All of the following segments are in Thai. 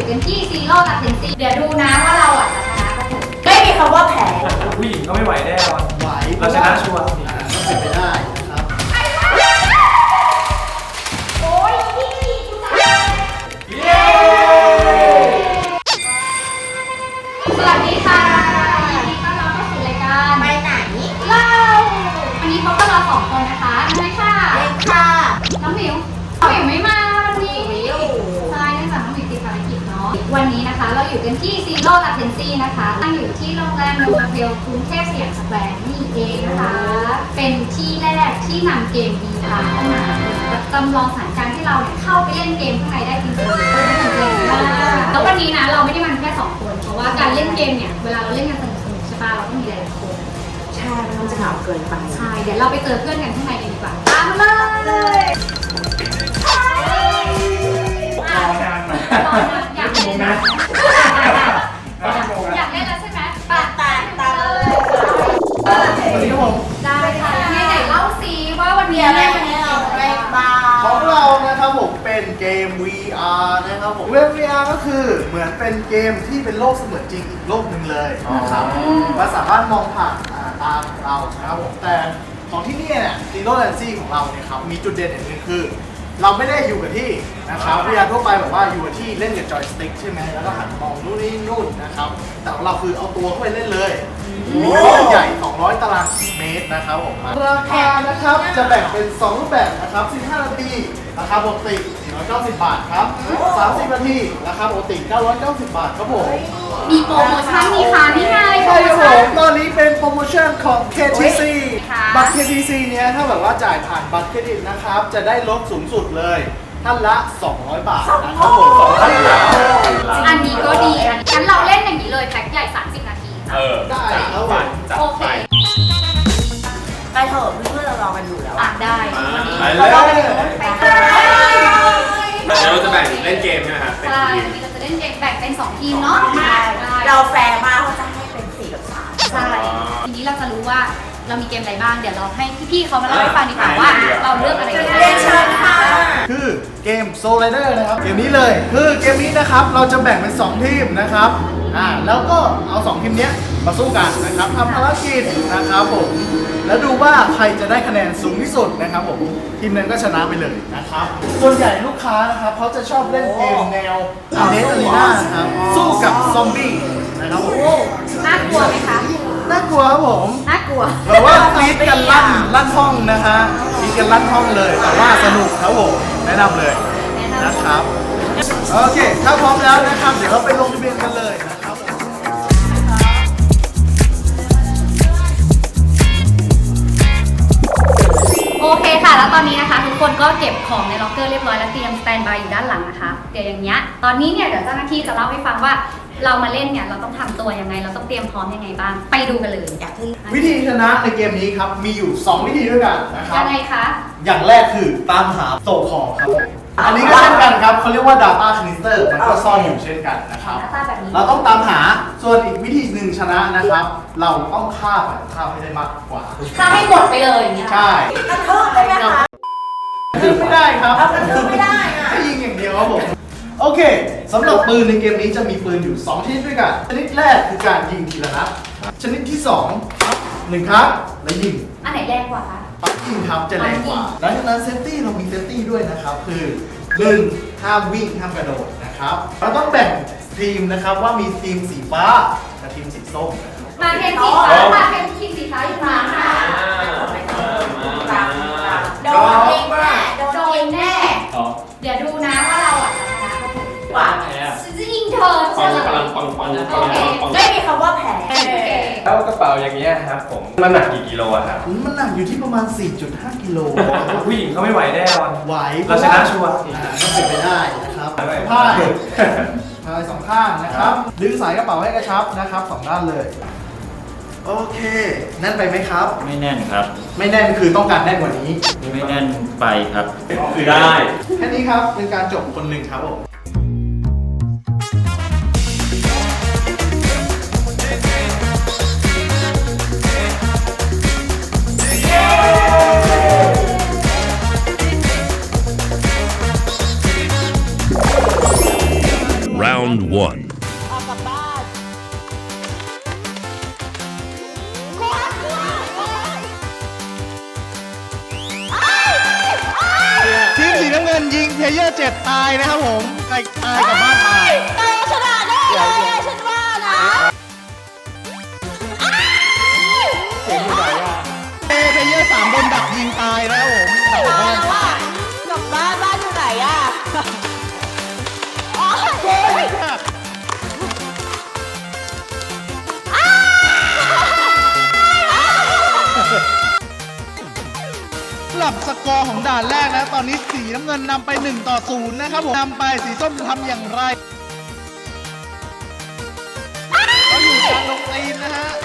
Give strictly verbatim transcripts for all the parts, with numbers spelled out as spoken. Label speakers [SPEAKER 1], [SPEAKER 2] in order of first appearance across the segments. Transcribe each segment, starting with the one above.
[SPEAKER 1] อยู่กันที่ซีโร่กับเทนซีเดี๋ยวดูนะว่าเราอ่ะจะชนะก็ถูก
[SPEAKER 2] ไม่มีคำว่าแพ้
[SPEAKER 3] ผู้หญิงก็ไม่ไหวแน่นอน
[SPEAKER 4] ไหว
[SPEAKER 3] เราชนะชัวร์
[SPEAKER 4] ก็เป็นไปได้นะครับ
[SPEAKER 1] โอ้ยพี่กูตาย
[SPEAKER 3] เย้
[SPEAKER 1] สวัสดีค่ะยินดีต้อนรับเข้าสู่รายการ
[SPEAKER 2] ไปไหน
[SPEAKER 1] เล่าวันนี้พบกับเราสองคนนะคะน้อยค่ะ
[SPEAKER 2] เล็กค่ะ
[SPEAKER 1] น้องหมิวน้องหมิวไม่มาวันนี้ใช่เนื่องจากน้องหมิวติดภารกิจเนาะวันนี้นะคะเราอยู่กันที่ซีโร่กับเทนซีนะคะตั้งอยู่ที่โรงแรมโนมาเฟลกรุงเทพสยามสแควร์นี่เองนะคะเป็นที่แรกที่นำเกม วี อาร์ เข้ามาจำลองสถานการณ์ให้เราเนี่ยเข้าไปเล่นเกมข้างในได้จริงๆแล้ววันนี้นะเราไม่ได้มาแค่สองคนเพราะว่าการเล่นเกมเนี่ยเวลาเราเล่นกันสนุกๆใช่ป่ะเราต้องมีหลายๆคน
[SPEAKER 2] ใช่มันจะเหงาเกินไป
[SPEAKER 1] ใช่ เดี๋ยวเราไปเจอเพื่อนกันข้างในกันดีกว่า ตามมาเลยรอนานมาอยากเล่นนะอยากเล่นแล้วใช่ไหมปาตาตาเลย
[SPEAKER 4] สวัสดีครับผม
[SPEAKER 1] ได้ค่ะไหนไหนเล่าซิว่าวันนี้อะไรวันนี้เราอะไรบ้าง
[SPEAKER 4] ของเรานะครับผมเป็นเกม วี อาร์ นะครับผมเว็บ วี อาร์ ก็คือเหมือนเป็นเกมที่เป็นโลกเสมือนจริงอีกโลกหนึ่งเลยนะครับมันสามารถมองผ่านตาของเรานะครับผมแต่ของที่นี่เนี่ย Zero Latency ของเราเนี่ยครับมีจุดเด่นอย่างหนึงคือ เราไม่ได้อยู่กับที่นะครับ วี อาร์ ทั่วไปแบบว่าอยู่กับที่เล่นกับจอยสติ๊กใช่ไหมแล้วก็หันมองนู่นนี่นู่นนะครับแต่ของเราคือเอาตัวเข้าไปเล่นเลยมีโลกใหญ่สองร้อยตารางเมตรนะครับผมราคานะครับจะแบ่งเป็นสองรูปแบบนะครับสิบห้านาทีราคาปกติสี่ร้อยเก้าสิบบาทครับสามสิบนาทีราคาปกติเก้าร้อยเก้าสิบบาทครับผม
[SPEAKER 1] มีโปรโมชั่นมีค่ะนี่ไงโปร
[SPEAKER 4] ใช่
[SPEAKER 1] โม
[SPEAKER 4] ครับผ
[SPEAKER 1] ชั่น
[SPEAKER 4] มตอนนี้เป็นโปรโมชั่นของ เค ที ซี
[SPEAKER 1] ค่ะ
[SPEAKER 4] บัตร เค ที ซี เนี้ยถ้าแบบว่าจ่ายผ่านบัตรเครดิตนะครับจะได้ลดสูงสุดเลยท่านละ สองร้อย บาทนะครับผมสองร้อยบาท
[SPEAKER 1] อันนี้ก็ดีอันงั้นเราเล่นอย่างนี้เลยแพ็คใหญ่สามสิบนาที
[SPEAKER 3] เออ
[SPEAKER 4] ได้ครับผม
[SPEAKER 3] จัด
[SPEAKER 1] โอเค
[SPEAKER 3] ไป
[SPEAKER 2] ไปเถอะเพื่อนๆเรารอกันอยู่แล้ว
[SPEAKER 1] อ่ะได้วันนี้
[SPEAKER 3] ไปเล
[SPEAKER 2] เรา
[SPEAKER 3] ย
[SPEAKER 2] รอกันอยู่ไป
[SPEAKER 1] ไป
[SPEAKER 2] ค่ะ
[SPEAKER 3] เดี๋ยวเราจะแบ่งเล่นเกมใช่ไหมครับเป็น
[SPEAKER 1] ใช่
[SPEAKER 3] ทีม
[SPEAKER 1] วันนี้เราจะเล่นเกมแบ่งเป็นสองทีมเนาะ
[SPEAKER 2] ใช่เราแฟร์มากเขาจะให้เป็นสี่กับสาม
[SPEAKER 1] ใช่ทีนี้เราจะรู้ว่าเรามีเกมอะไรบ้าง เดี๋ยวเราให้พี่ๆเขามาเล่าให้ฟังดีกว่าว่าเราเลือกอะไรกัน
[SPEAKER 2] เรียนเชิญค่ะ
[SPEAKER 4] คือเกม Soul Rider นะครับเกมนี้เลยคือเกมนี้นะครับเราจะแบ่งเป็นสองทีมนะครับอ่าแล้วก็เอาสองทีมเนี้ยมาสู้กันนะครับทำภารกิจนะครับผมแล้วดูว่าใครจะได้คะแนนสูงที่สุดนะครับผมทีมนั้นก็ชนะไปเลยนะครับส่วนใหญ่ลูกค้านะครับเขาจะชอบเล่นเกมแนวเดสอารีนานะครับสู้กับซอมบี้นะครับผม
[SPEAKER 1] น่ากลัวไหมคะ
[SPEAKER 4] น่ากลัวครับผม
[SPEAKER 1] น่ากลัว
[SPEAKER 4] แบบว่ากรี๊ดกันลั่นลั่นห้องนะฮะกรี๊ดกันลั่นห้องเลยแต่ว่าสนุกครับผมแนะนำเลยนะครับโอเคถ้าพร้อมแล้วนะครับเดี๋ยวเราไปลงทะเบียนกันเลยนะครับ
[SPEAKER 1] โอเคค่ะ แล้วตอนนี้นะคะทุกคนก็เก็บของในล็อกเกอร์เรียบร้อยแล้วเตรียมสแตนบายอยู่ด้านหลังนะคะเดี๋ยวอย่างเงี้ยตอนนี้เนี่ยเดี๋ยวเจ้าหน้าที่จะเล่าให้ฟังว่าเรามาเล่นเนี่ยเราต้องทำตัวยังไง เราต้องเตรียมพร้อมยังไงบ้างไปดูกันเลย
[SPEAKER 2] อยากขึ้น
[SPEAKER 4] วิธีชนะในเกมนี้ครับมีอยู่สองวิธีด้วยกันนะครับ
[SPEAKER 1] ยังไงคะ
[SPEAKER 4] อย่างแรกคือตามหาโซคอครับผมอันนี้ก็เช่นกันครับเขาเรียกว่า Data Canister มันก็ซ่อนอยู่เช่นกันนะครับ
[SPEAKER 1] หน้าตาแบบนี้
[SPEAKER 4] เราต้องตามหาส่วนอีกวิธีหนึ่งชนะนะครับ เราต้องฆ่าฝ่ายตรงข้ามให้ได้มากกว่า
[SPEAKER 1] ถ้าให้หมดไปเลยอย่างเงี้ย
[SPEAKER 4] ใช่
[SPEAKER 2] กระทืบได้ไหมคะ
[SPEAKER 4] คือไม่ได้ครับ
[SPEAKER 2] เอากระทืบไม่ได้อะ
[SPEAKER 4] ให้ยิงอย่างเดียวครับผมโอเคสำหรับปืนในเกมนี้จะมีปืนอยู่สองชนิดด้วยกันชนิดแรกคือการยิงทีละนัดชนิดที่สองหนึ่งครับแล้วยิง
[SPEAKER 1] อันไหนแรงกว่าคะ
[SPEAKER 4] ปักยิงครับจะแรงกว่าดังนั้นเซฟตี้เรามีเซฟตี้ด้วยนะครับคือหนึ่งห้ามวิ่งห้ามกระโดดนะครับเราต้องแบ่งทีมนะครับว่ามีทีมสีฟ้ากับทีมสีส้มนะครับ
[SPEAKER 1] มาเทนสีฟ้ามาเทนทีมสีฟ้าอยู่มาค่ะ
[SPEAKER 2] โดนเองแน่โด
[SPEAKER 1] โด
[SPEAKER 2] นเอน ง
[SPEAKER 1] แน่ เดี๋ยวดูนะว่าเราอ่ะจะชนะก็ถูก
[SPEAKER 2] กว่า
[SPEAKER 1] ฉันจะยิงเธอ
[SPEAKER 3] ปั
[SPEAKER 1] เชื่
[SPEAKER 3] ง
[SPEAKER 1] อ
[SPEAKER 3] ปังปังปังปังปัง
[SPEAKER 2] ไม่มีคำว่าแพ้
[SPEAKER 3] แล้วกระเป๋าอย่างเงี้ยครับผมมันหนักกี่กิโลอะครับ
[SPEAKER 4] มันหนักอยู่ที่ประมาณ สี่จุดห้า กิโล
[SPEAKER 3] ผู้หญิงก็ไม่ไหวแน่นอน
[SPEAKER 4] ไหว
[SPEAKER 3] เราชนะชัวร์
[SPEAKER 4] อ่าก็เป็นไปได้นะครับ
[SPEAKER 3] ไปไป
[SPEAKER 4] ผ้าพายสองข้างนะครับดึงสายกระเป๋าให้กระชับนะครับสองด้านเลย โอเคแน่นไปไหมครับ
[SPEAKER 5] ไม่แน่นครับ
[SPEAKER 4] ไม่แน่นคือต้องการแน่นกว่านี้
[SPEAKER 5] ไม่แน่นไปครับ
[SPEAKER 3] คือได้
[SPEAKER 4] แค่นี้ครับเป็นการจบคนหนึ่งครับผม
[SPEAKER 6] Round Round one.
[SPEAKER 2] ออกกลับบ้านกลัวกลัวเอ้ยเอ้ยเอ้ย
[SPEAKER 4] ทีมสีน้ำเงินยิงเพลเยอร์เจ็ดตายนะครับผมใครตายกับบ้านตาย
[SPEAKER 2] เอ้ยชนะแน่เลยฉันว่านะ
[SPEAKER 4] เสียงอยู่ไหนอ่ะเอเพลเยอร์สามโดนดักยิงตายนะครับผมดัก
[SPEAKER 2] ตา
[SPEAKER 4] บ้าย น
[SPEAKER 2] แล้วว่ากลับบ้านบ้านอยู่ไหนอะอ๋อ
[SPEAKER 4] สำหรับสกอร์ของด่านแรกนะตอนนี้สีน้ำเงินนำไปหนึ่งต่อศูนย์นะครับผมนำไปสีส้มจะทำอย่างไรเราอยู่กลางลงตีนนะฮะ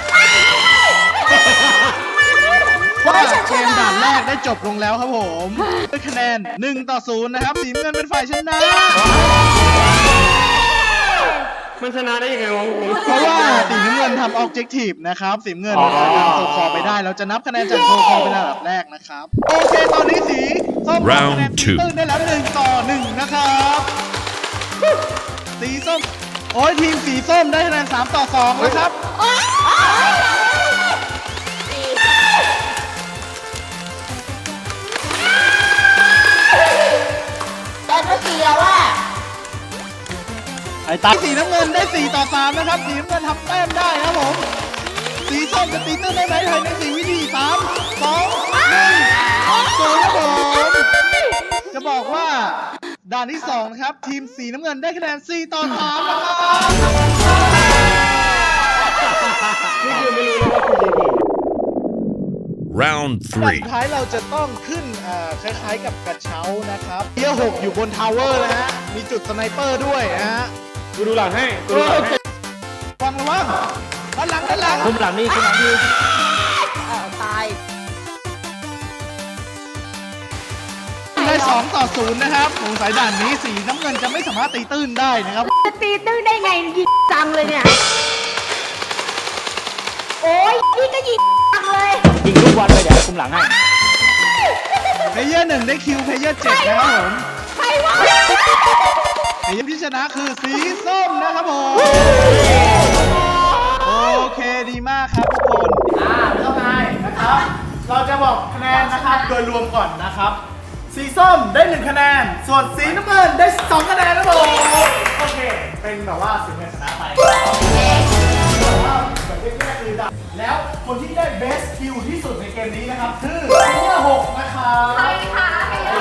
[SPEAKER 4] ว่าเกมด่านแรกได้จบลงแล้วครับผมด้วยคะแนนหนึ่งต่อศูนย์นะครับสีน้ำเงินเป็นฝ่ายชนะ
[SPEAKER 3] มันชนะได้ยังไงวะ
[SPEAKER 4] เพราะว่าสีน้ำเงินทำออบเจกตีฟนะครับสีน้ำเงินนำโซคอไปได้เราจะนับคะแนนจากโซคอเป็นอันดับแรกนะครับโอเคตอนนี้สีส้มทำคะแนนตีตื้นได้แล้วหนึ่งต่อหนึ่งนะครับสีส้มโอ้ยทีมสีส้มได้คะแนนสามต่อสองแล้วครับ
[SPEAKER 2] แต่เมื่อกี้แล้วว่า
[SPEAKER 4] ไอ้ตาสีน้ำเงินได้สี่ต่อสามนะครับสีน้ำเงินทำแต้มได้นะครับผมสีส้มจะตีตื้นได้ไหมภายในสี่วิธีสามสองหนึ่งศูนย์ครับผมจะบอกว่าด่านที่สองนะครับทีมสีน้ำเงินได้คะแนนสี่ต่อสามนะครับ
[SPEAKER 3] นี่คือไม่รู้เลยว่าคุณยิง
[SPEAKER 6] Round
[SPEAKER 4] ด่าน
[SPEAKER 6] three.
[SPEAKER 4] สุดท้ายเราจะต้องขึ้นอ่าคล้ายๆกับกระเช้านะครับเทียร์หกอยู่บนทาวเวอร์นะฮะมีจุดสไนเปอร์ด้วยนะฮะ
[SPEAKER 3] กูดูหลังให้กูดูหลังให้
[SPEAKER 4] ระวังระวังด้านหลังด้านหลัง
[SPEAKER 5] คุมหลังนี่คุมหลังนี่
[SPEAKER 2] เออตาย
[SPEAKER 4] ได้สองต่อศูนย์นะครับสงสัยด่านนี้สีน้ำเงินจะไม่สามารถตีตื้นได้นะครับ
[SPEAKER 2] จะตีตื้นได้ไงยิงจังเลยเนี่ย โอ้ยนี่ก็ยิงจังเลย
[SPEAKER 5] ยิงทุกวันเลยเดี๋ยวคุมหลังให้
[SPEAKER 4] เพลเยอร์หนึ่งได้คิวเพลเยอร์เจ็ดนะครับผม
[SPEAKER 2] ใครวะ
[SPEAKER 4] ทีมที่ชนะคือสีส้มนะครับผม โอเคดีมากครับทุกคน อ่าเข้าไปนะครับ เราจะบอกคะแนนนะครับโดยรวมก่อนนะครับ สีส้มได้หนึ่งคะแนน ส่วนสีน้ำเงินได้สองคะแนนนะครับผมโอเค เป็นแบบว่าสีเงินชนะไปแต่ว่าแบบแยกๆเลยดับแล้วคนที่ได้ best kill ที่สุดในเกมนี้นะครับคือเพลเยอร์หกนะครับ
[SPEAKER 1] ใครคะใครคะ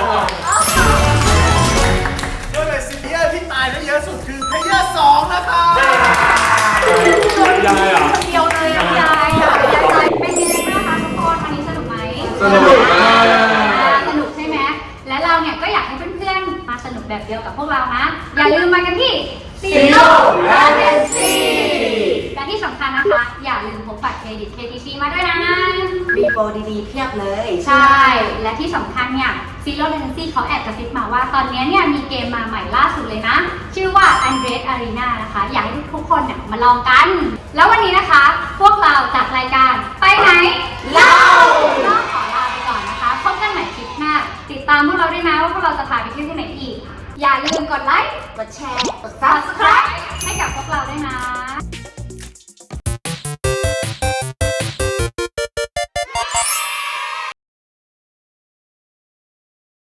[SPEAKER 4] ด้วยเลยซีเนียร์ที่ตายได้เยอะสุดคือเพลเยอร์สองนะครับ
[SPEAKER 3] ยังไงอ่ะ
[SPEAKER 1] เดียวเลยอะยายอะยายใจเป็นยังไงบ้างคะทุกคนวันนี้สนุกไหม
[SPEAKER 3] สนุกมาก
[SPEAKER 1] สนุกใช่ไหมและเราเนี่ยก็อยากให้เพื่อนๆมาสนุกแบบเดียวกับพวกเรานะอย่าลืมมากันที่ซีโร่และเดนซีและที่สำคัญนะคะอย่าลืมพกบัตรเครดิต เค ที ซี มาด้วยนะ
[SPEAKER 2] มีโปรดีๆเพียบเลย
[SPEAKER 1] ใช่ และที่สำคัญเนี่ย Zero Latency เขาแอบกระซิบมาว่าตอนนี้เนี่ยมีเกมมาใหม่ล่าสุดเลยนะ ชื่อว่า Undead Arena นะคะ อยากให้ทุกคนเนี่ยมาลองกัน แล้ววันนี้นะคะ พวกเราจากรายการไปไหนเล่าต้องขอลาไปก่อนนะคะ พบกันใหม่คลิปหน้า ติดตามพวกเราด้วยนะว่าพวกเราจะพาไปเที่ยวที่ไหนอีก อย่าลืมกดไลค์
[SPEAKER 2] กดแชร์ กด
[SPEAKER 1] Subscribe ให้กับพวกเราด้วยนะ